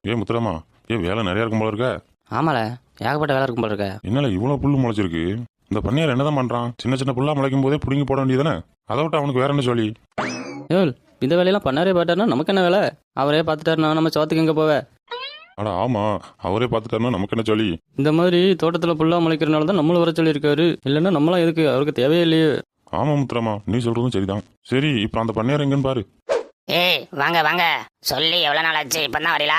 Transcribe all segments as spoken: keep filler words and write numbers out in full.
ஏன் முத்துராமா, ஏன் வேலை நிறைய இருக்கும் போல இருக்க? ஆமால, ஏகப்பட்ட வேலை இருக்கும் போல இருக்க. என்னால இவ்வளவு புல்லு முளைச்சிருக்கு? இந்த பன்னியார் என்னதான் பண்றான்? சின்ன சின்ன புல்லா முளைக்கும் போதே புடுங்கி போட வேண்டியதானே? அதை விட்டு அவனுக்கு வேற என்ன சொல்லி? ஏய், இந்த வேலையெல்லாம் பண்ணாரே பார்த்தாருன்னா நமக்கு என்ன வேலை? அவரே பார்த்துட்டாருன்னா நம்ம சோத்துக்கு எங்கே போவே? அட ஆமா, அவரே பார்த்துட்டாருன்னா நமக்கு என்ன சொல்லி? இந்த மாதிரி தோட்டத்தில் புல்லா முளைக்கிறனால தான் நம்மளும் வர சொல்லியிருக்காரு. இல்லைன்னா நம்மளாம் எதுக்கு? அவருக்கு தேவையே இல்லையே. ஆமா முத்துராமா, நீ சொல்றதும் சரிதான். சரி, இப்ப அந்த பன்னியார் எங்கன்னு பாரு. ஏய் வாங்க வாங்க, சொல்லி எவ்வளவு நாள் ஆச்சு, இப்பதான் வரீங்களா?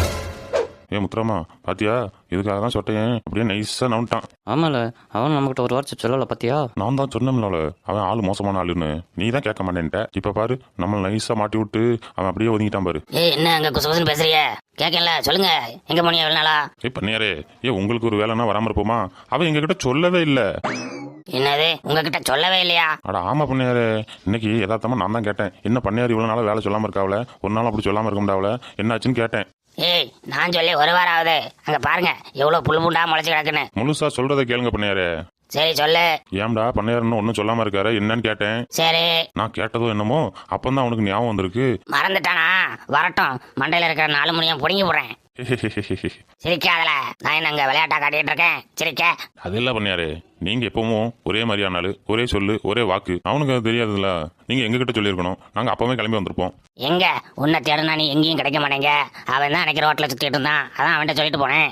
ஏ முத்துராமா, பாத்தியா? இதுக்காக தான் சொட்டையன் அப்படியே நைஸா நவுட்டான். ஆமால, அவன் நம்மகிட்ட ஒரு வார்த்தை சொல்லல பாத்தியா? நான் தான் சொன்னேன்ல, அவன் ஆளு மோசமான ஆளுன்னு. நீ தான் கேட்க மாட்டேன்ட்ட. இப்ப பாரு, நம்ம நைஸா மாட்டி விட்டு அவன் அப்படியே ஒதுங்கிட்டான் பாரு. ஏய் என்ன அங்க குசு குசுன்னு பேசுறீங்க? கேட்கல, சொல்லுங்க, எங்க போனீங்க எவ்வளவு நாளா? ஏ பன்னியாரே, ஏ உங்களுக்கு ஒரு வேலைன்னா வராம இருப்போமா? அவன் எங்க கிட்ட சொல்லவே இல்லை. என்னது, உங்ககிட்ட சொல்லவே இல்லையா? அட ஆமா பன்னியாரே, இன்னைக்கு யதார்த்தமா நான் தான் கேட்டேன். என்ன பன்னியார் இவ்வளவு நாளா வேலை சொல்லாம இருக்காவல, ஒரு நாள் அப்படி சொல்லாம இருக்க முடியாவல, என்னாச்சுன்னு கேட்டேன். ஏய் நான் சொல்லி ஒரு வாரம் ஆகுது. அங்க பாருங்க எவ்வளவு புல் புண்டா முளைச்சு கிடக்குன்னு. முழுசா சொல்றதை கேளுங்க பன்னியாரே. சரி சொல்லு. ஏம்டா பன்னியார் ஒன்னும் சொல்லாம இருக்காரு, என்னன்னு கேட்டேன். சரி, நான் கேட்டதோ என்னமோ, அப்பந்தான் அவனுக்கு ஞாபகம் வந்திருக்கு. மறந்துட்டானா? வரட்டும், மண்டையில இருக்கிற நாலு மணியும் புடுங்கி போடுறேன். சிரிக்காதல, நான் என்ன அங்க விளையாட்டா காட்டிட்டு இருக்கேன்? சிரிக்க அது இல்ல பன்னியாரே, நீங்க எப்பவும் ஒரே மாதிரியானாலு, ஒரே சொல்லு ஒரே வாக்கு. அவனுக்கு அது தெரியாதுல்ல, நீங்க எங்க கிட்ட சொல்லியிருக்கணும். நாங்க அப்பவே கிளம்பி வந்திருப்போம். எங்க உன்னை தேடுனா நீ எங்கேயும் கிடைக்க மாட்டேங்க. அவன் தான் எனக்கு ரோட்ல சுத்திட்டு இருந்தான், அதான் அவன்கிட்ட சொல்லிட்டு போனேன்.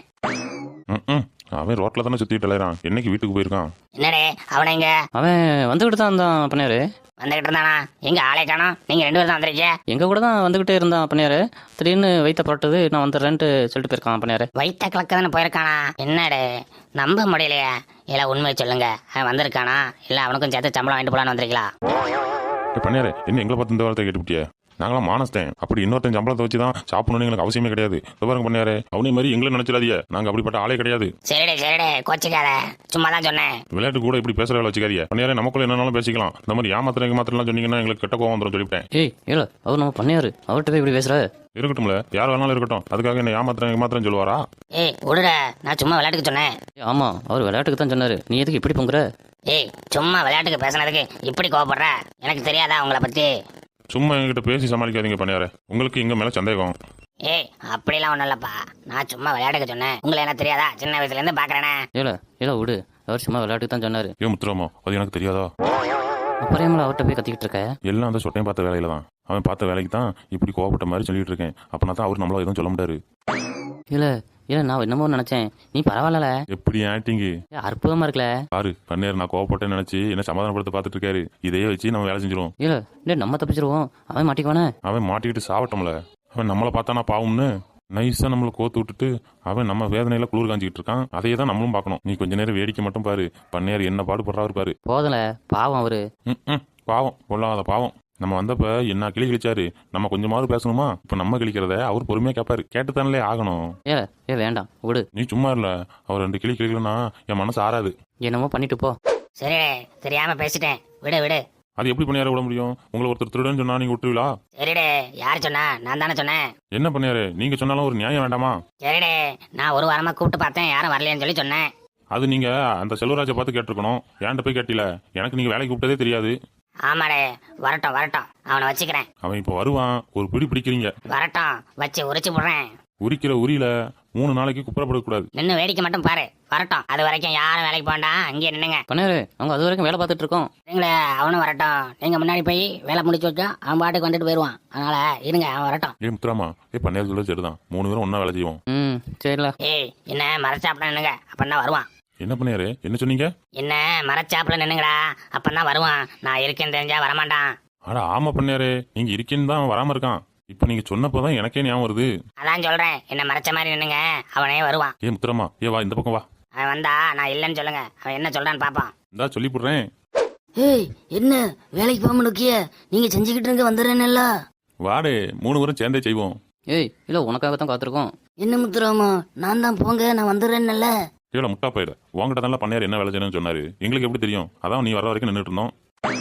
ம் அவன் ரோட்ல தானே சுத்திட்டு அலையறான். என்னைக்கு வீட்டுக்கு போயிருக்கான்? என்னடே அவனை எங்க? அவன் வந்துகிட்டு தான் இருந்தான் பண்ணியாரு. வந்துகிட்டு இருந்தானா? எங்க ஆளை காணோம். நீங்க ரெண்டு பேரும் தான் வந்துருக்கீங்க. எங்க கூட தான் வந்துகிட்டே இருந்தான் பண்ணியாரு. திடீர்னு வைத்த புரட்டுது, நான் வந்துடுறேன்ட்டு சொல்லிட்டு போயிருக்கான் பண்ணியாரு. வைத்த கிழக்க தானே போயிருக்கானா? என்னடே நம்ப முடியலையே. இல்ல உண்மையை சொல்லுங்க, அவன் வந்திருக்கானா இல்ல அவனுக்கும் சேர்த்து சம்பளம் வாங்கிட்டு போலான்னு வந்திருக்கீங்களா? பன்னியாரே, என்ன எங்களை பார்த்து இந்த வார்த்தை கேட்டுவிட்டிய? நாங்களாம் மானஸ்தேன். அப்படி இன்னொருத்தன் சம்பளத்தை வச்சு தான் சாப்பிடணும்னு எங்களுக்கு அவசியமே கிடையாது. பாருங்க பன்னியாரே, அவனே மாதிரி எங்களை நினைச்சிடாதீங்க. நாங்க அப்படிப்பட்ட ஆளே கிடையாது. சரிடே சரிடே, கோச்சிக்காத, சும்மா தான் சொன்னேன். விளையாட்டு கூட இப்படி பேசுற வேலை வச்சுக்காதீங்க பன்னியாரே. நமக்குள்ள என்னன்னாலும் பேசிக்கலாம். இந்த மாதிரி ஏமாத்திரம் ஏமாத்திரம் சொன்னீங்கன்னா எங்களுக்கு கெட்ட கோவம் வந்துடும் சொல்லிவிட்டேன். ஏய் இல்ல, அவர் நம்ம பண்ணியாரு, அவர்கிட்ட போய் இப்படி பேசுற? இருக்கட்டும்ல, யார் வேணாலும் இருக்கட்டும். அதுக்காக என்ன ஏமாத்திரம் ஏமாத்திரம் சொல்லுவாரா? ஏய் விடுற, நான் சும்மா விளையாட்டுக்கு சொன்னேன். ஆமா, அவர் விளையாட்டுக்கு தான் சொன்னாரு. நீ எதுக்கு இப்படி பொங்குற? ஏய் சும்மா விளையாட்டுக்கு பேசுனதுக்கு இப்படி கோவப்படுற? எனக்கு தெரியாதா உங்களை பத்தி? சும்மா என்கிட்ட பேசி சமாளிக்காதீங்க பன்னியாரே. உங்களுக்கு எங்க மேல சந்தேகம்? ஏய் அப்படிலாம் ஒண்ணும் இல்லப்பா, நான் சும்மா விளையாட்டுக்கு சொன்னேன். உங்களுக்கு என்ன தெரியாதா? சின்ன வயசுல இருந்து பாக்குறேனே. இல்ல இல்ல விடு, அவர் சும்மா விளையாட்டுக்கு தான் சொன்னாரு. ஏன் முத்துராமா, அது எனக்கு தெரியாதா? அப்புறம் அவர்கிட்ட போய் கத்திக்கிட்டு இருக்க? எல்லாம் அந்த சொட்டையும் பார்த்த வேலையில தான். அவன் பார்த்த வேலைக்கு தான் இப்படி கோவப்பட்ட மாதிரி சொல்லிட்டு இருக்கேன். அப்பனா தான் அவர் நம்மள எதுவும் சொல்ல முடியாது. இல்ல இல்ல, நான் என்னமோ நினைச்சேன். நீ பரவாயில்ல, எப்படி ஆக்டிங்கு அற்புதமா இருக்கல. பாரு பன்னியார், நான் கோவப்பட்டேன்னு நினைச்சு என்ன சமாதானப்படுத்த பார்த்துட்டு இருக்காரு. இதையே வச்சு நம்ம வேலை செஞ்சிருவோம். இல்ல இல்ல, நம்ம தப்பிச்சிருவோம், அவன் மாட்டிக்குவானே. அவன் மாட்டிக்கிட்டு சாவட்டோம்ல. அவன் நம்மளை பார்த்தானா பாவம்னு நைஸா நம்மளை கோத்து விட்டுட்டு அவன் நம்ம வேதனையில குளிர் காஞ்சிக்கிட்டு இருக்கான். அதையே தான் நம்மளும் பார்க்கணும். நீ கொஞ்ச நேரம் வேடிக்கை மட்டும் பாரு. பன்னியார் என்ன பாடுபடுறாரு பாரு. போதல, பாவம் அவரு. ம் பாவம், பொல்லாத பாவம். நம்ம வந்தப்ப என்ன கிளி கிழிச்சாரு. நம்ம கொஞ்சமாவது பேசணுமா? இப்ப நம்ம கிழிக்கிறத அவர் பொறுமையா கேட்பாரு. கேட்டுத்தானே ஆகணும். ஏ ஏ வேண்டாம் விடு. நீ சும்மா இல்ல, அவர் ரெண்டு கிளி கிளிக்கலன்னா என் மனசு ஆறாது. என்னமோ பண்ணிட்டு போ. சரி தெரியாம பேசிட்டேன், விடு விடு. அது எப்படி பன்னியார விட முடியும்? உங்களை ஒருத்தர் திருடன்னு சொன்னா நீங்க விட்டுருவீங்களா? சரிடே, யார் சொன்னா? நான் தானே சொன்னேன். என்ன பன்னியாரு, நீங்க சொன்னாலும் ஒரு நியாயம் வேண்டாமா? சரிடே, நான் ஒரு வாரமா கூப்பிட்டு பார்த்தேன், யாரும் வரலையேன்னு சொல்லி சொன்னேன். அது நீங்க அந்த செல்வராஜை பார்த்து கேட்டிருக்கணும். ஏன்ட்ட போய் கேட்டில. எனக்கு நீங்க வேலைக்கு கூப்பிட்டதே தெரியாது. ஆமாடே, வரட்டும் வரட்டும், அவனை வச்சுக்கிறேன். அவன் இப்போ வருவான். ஒரு பிடி பிடிக்கிறீங்க. வரட்டும், வச்சு உரிச்சு போடுறேன். உரிக்கிற உரியில மூணு நாளைக்கு குப்புறப்படக்கூடாது. நின்று வேடிக்கை மட்டும் பாரு. வரட்டும், அது வரைக்கும் யாரும் வேலைக்கு போண்டா, அங்கேயே நின்னுங்க. பண்ணியாரு, அவங்க அது வரைக்கும் வேலை பார்த்துட்டு இருக்கோம். நீங்களே அவனும் வரட்டும். நீங்க முன்னாடி போய் வேலை முடிச்சு வச்சா அவன் பாட்டுக்கு வந்துட்டு போயிடுவான். அதனால இருங்க, அவன் வரட்டும். ஏ முத்துராமா, ஏ பன்னியார் சொல்ல சரிதான். மூணு பேரும் ஒன்னா வேலை செய்வோம். ம் சரில. ஏய் என்ன மரச்சாப்பிட நின்னுங்க, அப்பந்தான் வருவான். என்ன பன்னியாரு, என்ன சொன்னீங்க? என்ன மரச்சாப்பிட நின்னுங்கடா, அப்பந்தான் வருவான். நான் இருக்கேன்னு தெரிஞ்சா வரமாட்டான். ஆட ஆமா பன்னியாரு, நீங்க இருக்கேன்னு தான் வராம இருக்கான். இப்ப நீங்க சொன்னப்பதான் எனக்கே ஞாபகம் வருது. அதான் சொல்றேன், என்ன மறைச்ச மாதிரி நின்னுங்க, அவனே வருவான். ஏ முத்துராமா, ஏ வா இந்த பக்கம் வா. அவன் வந்தா நான் இல்லைன்னு சொல்லுங்க, அவன் என்ன சொல்றான்னு பாப்பான். இந்தா சொல்லி போடுறேன். ஏய் என்ன வேலைக்கு போக முக்கிய? நீங்க செஞ்சுக்கிட்டு இருங்க, வந்துடுறேன்ல. வாடே, மூணு பேரும் சேர்ந்தே செய்வோம். ஏய் இல்ல, உனக்காக தான் காத்திருக்கோம். என்ன முத்துராமா, நான் தான் போங்க, நான் வந்துடுறேன்ல. ஏல முட்டா போயிட, உங்ககிட்ட தான் பன்னியார் என்ன வேலை செய்யணும்னு சொன்னாரு. எங்களுக்கு எப்படி தெரியும்? அதான் நீ வர வரைக்கும் நின்றுட்டு இருந்தோம்.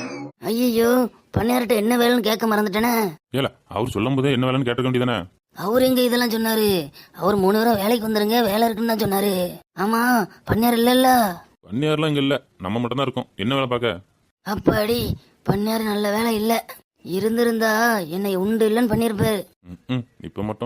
ஐயோ, பண்ணையார்ட்ட என்ன வேலைன்னு கேட்க மறந்துட்டேனே. ஏல அவர் சொல்லும் போதே என்ன வேலைன்னு கேட்டுக்க வேண்டியதானே? அவர் எங்க இதெல்லாம் சொன்னாரு? அவர் மூணு பேரும் வேலைக்கு வந்துருங்க, வேலை இருக்குன்னு தான் சொன்னாரு. ஆமா, பண்ணையார் இல்லல்ல. பன்னியார்லாம் இங்க இல்ல, நம்ம மட்டும் தான் இருக்கோம். என்ன வேலை பார்க்க? அப்பாடி, பண்ணையார் நல்ல வேலை இல்ல. இருந்திருந்தா என்னை உண்டு இல்லைன்னு பண்ணிருப்பாரு. ம் இப்ப மட்டும்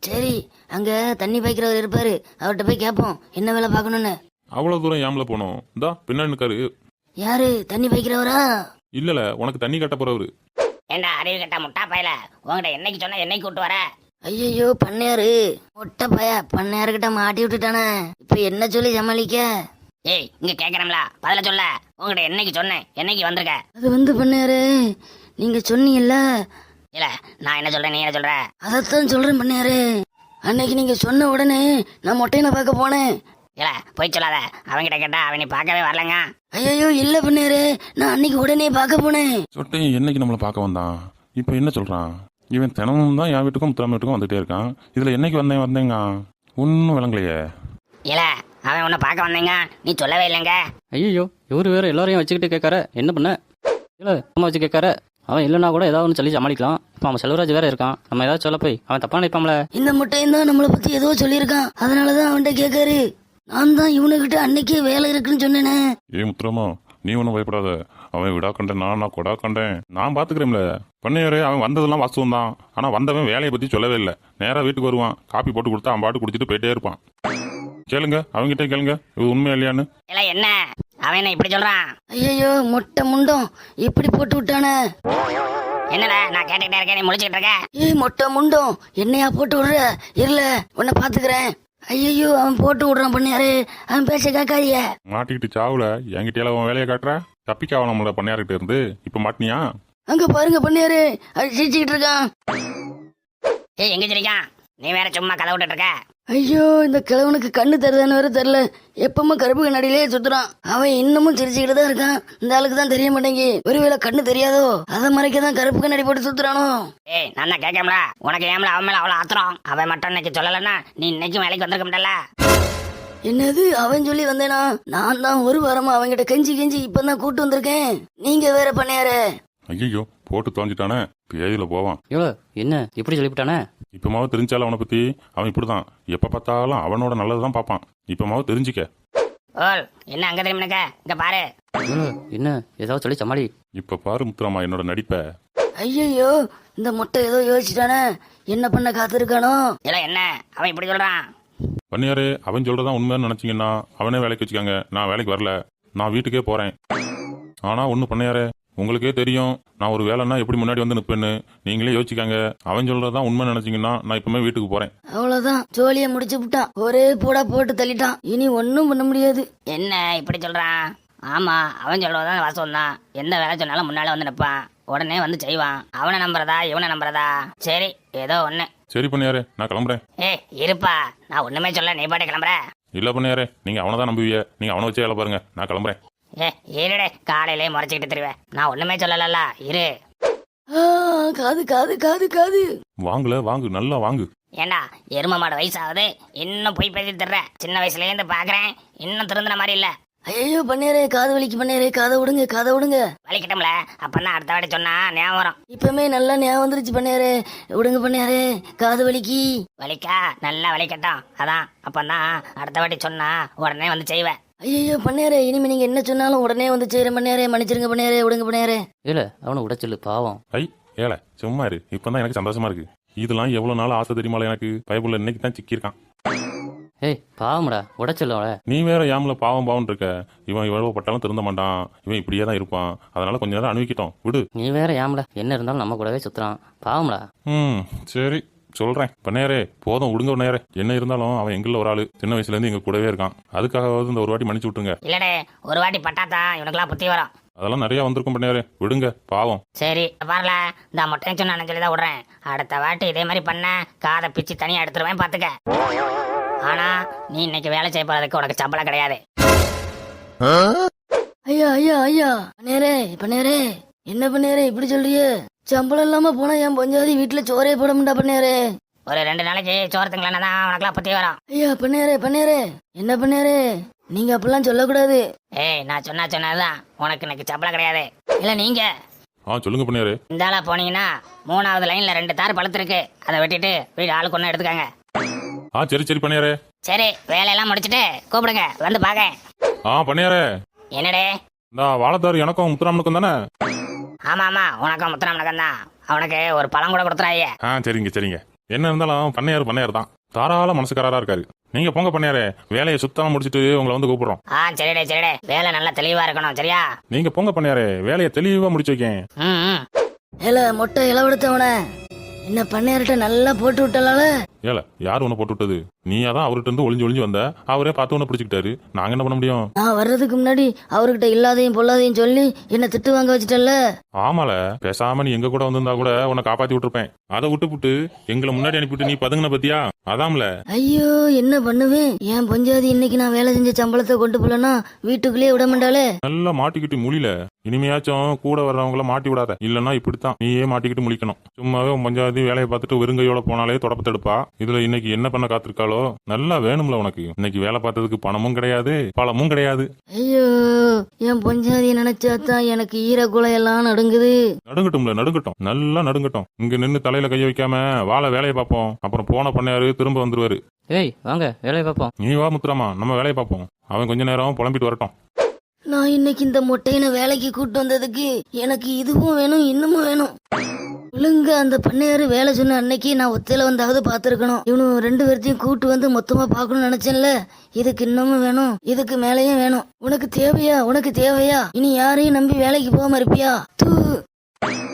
சரி அங்க தண்ணி பாய்க்கிறவர் இருப்பாரு, அவர்கிட்ட போய் கேட்போம் என்ன வேலை பார்க்கணும்னு. அவ்வளோ தூரம் ஏம்ல போனோம்? இந்தா பின்னாடி நிற்காரு. யாரு தண்ணி பாய்க்கிறவரா? இல்லைல்ல, உனக்கு தண்ணி கட்ட போறவரு. ஏண்டா அறிவு கட்ட முட்டா பயல, உங்ககிட்ட என்னைக்கு சொன்ன என்னைக்கு கூட்டு வர? ஐயோ பண்ணையாரு, மொட்டை பைய பண்ணையாருக்கிட்ட மாட்டி விட்டுட்டானே, இப்ப என்ன சொல்லி சமாளிக்க? ஏய் இங்க கேக்குறோம்ல, பதில சொல்ல. உங்ககிட்ட என்னைக்கு சொன்னேன் என்னைக்கு வந்திருக்க? அது வந்து பண்ணையாரு, நீங்க சொன்னீங்கல்ல. இல்ல நான் என்ன சொல்றேன் நீ என்ன சொல்ற? அதைத்தான் சொல்றேன் பண்ணையாரு. அன்னைக்கு நீங்க சொன்ன உடனே நான் மொட்டையனை பார்க்க போனேன். இல்ல போய் சொல்லாத, அவன்கிட்ட கேட்டா அவன் நீ பார்க்கவே வரலங்க. ஐயோ இல்ல பண்ணையாரு, நான் அன்னைக்கு உடனே பார்க்க போனேன். சொட்டையும் என்னைக்கு நம்மளை பார்க்க வந்தான்? இப்போ என்ன சொல்றான்? இவன் தினமும் தான் என் வீட்டுக்கும் முத்துராம வீட்டுக்கும் வந்துட்டே இருக்கான். இதுல என்னைக்கு வந்தேன் வந்தேங்க ஒன்றும் விளங்கலையே. இல்ல அவன் உன்னை பார்க்க வந்தேங்க, நீ சொல்லவே இல்லைங்க. ஐயோ இவரு வேற எல்லாரையும் வச்சுக்கிட்டு கேட்கார, என்ன பண்ண? இல்லை சும்மா வச்சு கேட்கார. அவன் இல்லைனா கூட ஏதாவது ஒன்று சொல்லி சமாளிக்கலாம். இப்போ அவன் செல்வராஜ் வேற இருக்கான், நம்ம ஏதாவது சொல்ல போய் அவன் தப்பா நினைப்பான்ல. இந்த முட்டையும் தான் நம்மளை பத்தி ஏதோ சொல்லியிருக்கான், அதனாலதான் அவன்கிட்ட கேட்காரு. நான் தான் இவனுக்கிட்ட அன்னைக்கே வேலை இருக்குன்னு சொன்னேனே. ஏ முத்துராமா, நீ ஒன்றும் பயப்படாத. அவன் விடா கண்டேன், நான் நான் கொடா கண்டேன், நான் பாத்துக்கிறேன்ல. பண்ணையாரு அவன் வந்ததெல்லாம் வாஸ்தவம் தான். ஆனா வந்தவன் வேலையை பத்தி சொல்லவே இல்லை. நேரா வீட்டுக்கு வருவான், காப்பி போட்டு கொடுத்தா அவன் பாட்டு குடிச்சிட்டு போயிட்டே இருப்பான். கேளுங்க, அவன்கிட்ட கேளுங்க இது உண்மையா இல்லையான்னு. இல்ல என்ன அவன் என்ன இப்படி சொல்றான்? ஐயோ மொட்டை முண்டம் இப்படி போட்டு விட்டானே. என்னடா நான் கேட்டுக்கிட்டே இருக்கேன், நீ முழிச்சுக்கிட்டு இருக்க? ஏய் மொட்டை முண்டம் என்னையா போட்டு விடுற? இருல உன்னை பாத்துக்கிறேன். ஐயோ அவன் போட்டு விடுறான் பண்ணையாரு, அவன் பேச கேட்காதிய. மாட்டிக்கிட்டு சாவுல என்கிட்ட அவன் வேலையை காட்டுற. தப்பிக்காவ நம்மள பண்ணையார்கிட்ட இருந்து இப்ப மாட்டினியா? அங்க பாருங்க பண்ணையாரு, அது சிரிச்சுக்கிட்டு இருக்கான். ஏய் எங்க சிரிக்கான்? நீ வேற சும்மா கதை விட்டுட்டு இருக்க. ஐயோ இந்த கிழவனுக்கு கண்ணு தருதான்னு வேற தெரியல, எப்பவுமே கருப்பு கண்ணாடியிலே சுத்துறான். அவன் இன்னமும் சிரிச்சுக்கிட்டு தான் இருக்கான். இந்த ஆளுக்கு தான் தெரிய மாட்டேங்கி, ஒருவேளை கண்ணு தெரியாதோ அதை மறைக்க தான் கருப்பு கண்ணாடி போட்டு சுத்துறானோ. ஏய் நான் தான் கேட்கல, உனக்கு ஏம்ல அவன் மேல அவ்வளவு ஆத்திரம்? அவன் மட்டும் இன்னைக்கு சொல்லலன்னா நீ இன்னைக்கும் வேலைக்கு வந்திருக்க முடியல. என்னது அவன் சொல்லி வந்தேனா? நான் தான் ஒரு வாரமா அவன்கிட்ட கெஞ்சி கெஞ்சி இப்பதான் கூட்டு வந்திருக்கேன். நீங்க வேற பண்ணையாரு. ஐயோ போட்டு தோஞ்சிட்டானே, பேதியில போவான். இவ்வளோ என்ன இப்படி சொல்லிவிட்டானே? இப்பமாவது தெரிஞ்சாலும் அவனை பத்தி அவன் இப்படிதான். எப்ப பார்த்தாலும் அவனோட நல்லதுதான் பார்ப்பான். இப்பமாவது தெரிஞ்சுக்க. ஓல் என்ன அங்க திரும்பி நிக்க? இங்க பாரு. இவ்வளோ என்ன ஏதாவது சொல்லி சமாளி. இப்ப பாரு முத்துராமா என்னோட நடிப்ப. ஐயோ இந்த முட்டை ஏதோ யோசிச்சுட்டானே, என்ன பண்ண காத்திருக்கானோ. இல்ல என்ன அவன் இப்படி சொல்றான்? பண்ணியாரு அவன் சொல்றதான் உண்மைன்னு நினைச்சீங்கன்னா அவனே வேலைக்கு வச்சுக்காங்க. நான் வேலைக்கு வரல, நான் வீட்டுக்கே போறேன். ஆனா ஒண்ணு பண்ணையாரு, உங்களுக்கே தெரியும் நான் ஒரு வேலைன்னா எப்படி முன்னாடி வந்து நிற்பேன்னு. நீங்களே யோசிக்காங்க. அவன் சொல்றதான் உண்மை நினைச்சீங்கன்னா நான் இப்பவுமே வீட்டுக்கு போறேன். அவ்வளவுதான், ஜோலிய முடிச்சு விட்டான். ஒரே போடா போட்டு தள்ளிட்டான். இனி ஒன்னும் பண்ண முடியாது. என்ன இப்படி சொல்றான்? ஆமா அவன் சொல்றதான் வாசம் தான். எந்த வேலை சொன்னாலும் முன்னால வந்து நிற்பான், உடனே வந்து செய்வான். அவனை நம்புறதா இவனை நம்புறதா? சரி ஏதோ ஒண்ணு. சரி பண்ணியாரு நான் கிளம்புறேன். ஏ இருப்பா, நான் ஒண்ணுமே சொல்ல, நீ பாட்டு கிளம்புற. இல்ல பண்ணியாரு நீங்க அவனை தான் நம்புவீங்க. நீங்க அவனை வச்சே வேலை பாருங்க, நான் கிளம்புறேன். ஏ இருடே, காலையிலே முறைச்சிக்கிட்டு திருவேன். நான் ஒண்ணுமே சொல்லல, இரு. ஆ, காது காது காது காது. வாங்கல வாங்கு, நல்லா வாங்கு. ஏண்டா எரும மாடு வயசாகுது, இன்னும் போய் பேசி தர்ற? சின்ன வயசுல இருந்து பாக்குறேன், இன்னும் திருந்துன மாதிரி இல்ல. ஐயோ பண்ணேரே, காது வலிக்கு பண்ணேரே, காதை விடுங்க காதை விடுங்க. வலிக்கிட்டோம்ல, அப்பதான் அடுத்த வாட்டி சொன்னா ஞாபகம் வரும். இப்பவுமே நல்லா ஞாபகம் வந்துருச்சு பண்ணேரே, விடுங்க பண்ணேரே, காது வலிக்கு. வலிக்கா? நல்லா வலிக்கட்டும். அதான் அப்பதான் அடுத்த வாட்டி சொன்னா உடனே வந்து செய்வேன். ஐயோ பண்ணேரே, இனிமே நீங்க என்ன சொன்னாலும் உடனே வந்து செய்யறேன் பண்ணேரே, மன்னிச்சிருங்க பண்ணேரே, விடுங்க பண்ணேரே. இல்லை அவனை உடைச்சல் பாவம். ஐ ஏல சும்மா இரு, இப்பதான் எனக்கு சந்தோஷமா இருக்கு. இதெல்லாம் எவ்வளவு நாள் ஆசை தெரியுமால எனக்கு. பைபிள்ல இன்னைக்கு தான் சிக்கியிருக்கான். ஏய் பாவம்டா, உடைச்சல் அவளை. நீ வேற யாமல பாவம் பாவம் இருக்க. இவன் எவ்வளவு பட்டாலும் திருந்த மாட்டான், இவன் இப்படியே தான் இருப்பான். அதனால கொஞ்ச நேரம் அனுபவிக்கிட்டோம் விடு. நீ வேற ஏம்ல என்ன இருந்தாலும் நம்ம கூடவே சுத்துறான், பாவம்டா. ம் சரி சொல்றேன். பண்ணையாரே போதும் விடுங்க பண்ணையாரே. என்ன இருந்தாலும் அவன் எங்கள ஒரு ஆளு, சின்ன வயசுல இருந்து எங்க கூடவே இருக்கான். அதுக்காகவாவது இந்த ஒரு வாட்டி மன்னிச்சு விட்டுருங்க. இல்லடே, ஒரு வாட்டி பட்டாதான் இவனுக்குலாம் புத்தி வரும். அதெல்லாம் நிறைய வந்திருக்கும் பண்ணையாரே, விடுங்க பாவம். சரி பாருல, இந்த மொட்டை சொன்னு சொல்லி தான் விடுறேன். அடுத்த வாட்டி இதே மாதிரி பண்ண காதை பிச்சு தனியா எடுத்துருவேன் பாத்துக்க. ஆனா நீ இன்னைக்கு வேலை செய்ய போறதுக்கு உனக்கு சம்பளம் கிடையாது. ஐயா ஐயா ஐயா பண்ணேரே பண்ணேரே, என்ன பண்ணேரே இப்படி சொல்றியே? சம்பளம் இல்லாம போனா என் பொஞ்சாதி வீட்டுல சோறே போட முடியா பண்ணேரே. ஒரு ரெண்டு நாளைக்கு சோறு திங்களா தான் உனக்குலாம் புத்தி வரும். ஐயா பண்ணேரே பண்ணேரே, என்ன பண்ணேரே நீங்க அப்படிலாம் சொல்லக்கூடாது. ஏய் நான் சொன்னா சொன்னதுதான், உனக்கு இன்னைக்கு சம்பளம் கிடையாது. இல்ல நீங்க ஆ சொல்லுங்க பண்ணையாரே. இந்த ஆளா போனீங்கன்னா மூணாவது லைன்ல ரெண்டு தார் பழுத்திருக்கு, அதை வெட்டிட்டு வீடு ஆளுக்கு ஒண்ணு எடுத்துக்காங்க. ஆ சரி சரி பண்ணையாரே. சரி வேலையெல்லாம் முடிச்சிட்டு கூப்பிடுங்க, வந்து பாக்க. ஆ பண்ணையாரே. என்னடே? இந்த வாழைத்தாரு எனக்கும் முத்துராமனுக்கும் தானே? ஆமா ஆமா, உனக்கும் முத்துராமனுக்கும் தான். அவனுக்கு ஒரு பழம் கூட கொடுத்துறாயே. ஆ சரிங்க சரிங்க. என்ன இருந்தாலும் பண்ணையார் பண்ணையார் தான், தாராள மனசுக்காரரா இருக்காரு. நீங்க போங்க பண்ணையாரே, வேலையை சுத்தமா முடிச்சிட்டு உங்களை வந்து கூப்பிடுறோம். ஆ சரிடே சரிடே, வேலை நல்லா தெளிவா இருக்கணும் சரியா? நீங்க போங்க பண்ணையாரே, வேலையை தெளிவா முடிச்சு வைக்கேன். ம் ம். ஏல மொட்டை இளவெடுத்தவன என்ன பண்ணையார்ட்ட நல்லா போட்டு விட்டலால. ஏல யார் உன்னை போட்டு விட்டது? நீயா தான் அவர்கிட்ட இருந்து ஒளிஞ்சு ஒளிஞ்சு வந்த, அவரே பார்த்து உன்னை பிடிச்சிக்கிட்டாரு. நாங்க என்ன பண்ண முடியும்? நான் வர்றதுக்கு முன்னாடி அவர்கிட்ட இல்லாதையும் பொல்லாதையும் சொல்லி என்ன திட்டு வாங்க வச்சுட்டல. ஆமால, பேசாம நீ எங்க கூட வந்திருந்தா கூட உன்னை காப்பாத்தி விட்டுருப்பேன். அதை விட்டு புட்டு எங்களை முன்னாடி அனுப்பிட்டு நீ பதுங்கின பத்தியா? அதாம்ல. ஐயோ என்ன பண்ணுவேன், என் பஞ்சாதி இன்னைக்கு நான் வேலை செஞ்ச சம்பளத்தை கொண்டு போலனா வீட்டுக்குள்ளேயே விட மாட்டாளே. நல்லா மாட்டிக்கிட்டு முழில, இனிமையாச்சும் கூட வர்றவங்கள மாட்டி விடாத, இல்லன்னா இப்படித்தான் நீயே மாட்டிக்கிட்டு முழிக்கணும். சும்மாவே உன் பஞ்சாதி வேலையை பார்த்துட்டு வெறுங்கையோட போனாலே தொடப்பத்தெடுப்பா. இதுல இன்னைக்கு என்ன பண்ண காத்திருக்காளோ? நல்லா வேணும்ல உனக்கு. இன்னைக்கு வேலை பார்த்ததுக்கு பணமும் கிடையாது, பழமும் கிடையாது. ஐயோ என் பஞ்சாதியை நினைச்சாதான் எனக்கு ஈரக்குலை எல்லாம் நடுங்குது. நடுங்கட்டும்ல, நடுங்கட்டும், நல்லா நடுங்கட்டும். இங்க நின்னு தலையில கைய வைக்காம வாழ வேலையை பார்ப்போம். அப்புறம் போன பண்ணையாரு திரும்ப வந்துருவாரு. ஏய் வாங்க வேலையை பார்ப்போம். நீ வா முத்துராமா, நம்ம வேலையை பார்ப்போம். அவன் கொஞ்ச நேரம் புலம்பிட்டு வரட்டும். நான் இன்னைக்கு இந்த மொட்டையின வேலைக்கு கூட்டு வந்ததுக்கு எனக்கு இதுவும் வேணும் இன்னமும் வேணும். ஒழுங்க அந்த பண்ணையாரு வேலை சொன்ன அன்னைக்கு நான் ஒத்தையில வந்தாவது பாத்துருக்கணும். இவனு ரெண்டு பேர்த்தையும் கூட்டு வந்து மொத்தமா பாக்கணும்னு நினைச்சேன்ல. இதுக்கு இன்னமும் வேணும், இதுக்கு மேலேயும் வேணும். உனக்கு தேவையா? உனக்கு தேவையா? இனி யாரையும் நம்பி வேலைக்கு போகாம இருப்பியா? தூ